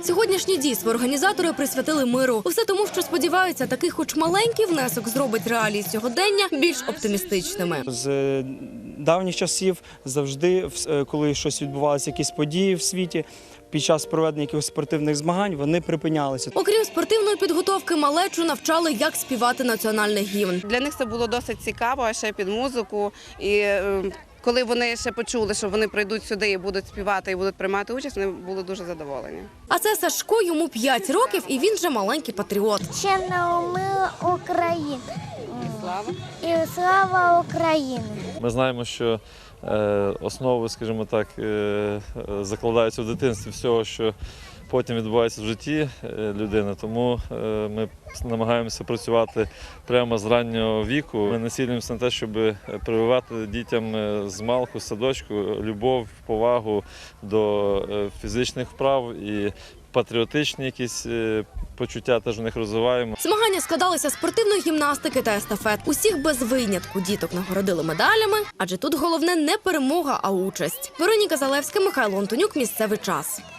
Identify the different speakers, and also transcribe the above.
Speaker 1: Сьогоднішнє дійство організатори присвятили миру. Усе тому, що сподіваються, такий хоч маленький внесок зробить реалії сьогодення більш оптимістичними.
Speaker 2: З давніх часів завжди, коли щось відбувалося, якісь події в світі, під час проведення якихось спортивних змагань вони припинялися.
Speaker 1: Окрім спортивної підготовки, малечу навчали, як співати національний гімн.
Speaker 3: Для них це було досить цікаво, а ще під музику. І коли вони ще почули, що вони прийдуть сюди і будуть співати, і будуть приймати участь, вони були дуже задоволені.
Speaker 1: А це Сашко, йому 5 років, і він же маленький патріот.
Speaker 4: Ще наумила Україну.
Speaker 3: Слава!
Speaker 4: І слава Україні!
Speaker 5: Ми знаємо, що основи, скажімо так, закладаються в дитинстві всього, що потім відбувається в житті людини. Тому ми намагаємося працювати прямо з раннього віку. Ми націлюємося на те, щоб прививати дітям з малку, з садочку любов, повагу до фізичних вправ і патріотичні якісь почуття теж у них розвиваємо.
Speaker 1: Змагання складалися з спортивної гімнастики та естафет. Усіх без винятку діток нагородили медалями, адже тут головне не перемога, а участь. Вероніка Залевська, Михайло Антонюк. Місцевий час.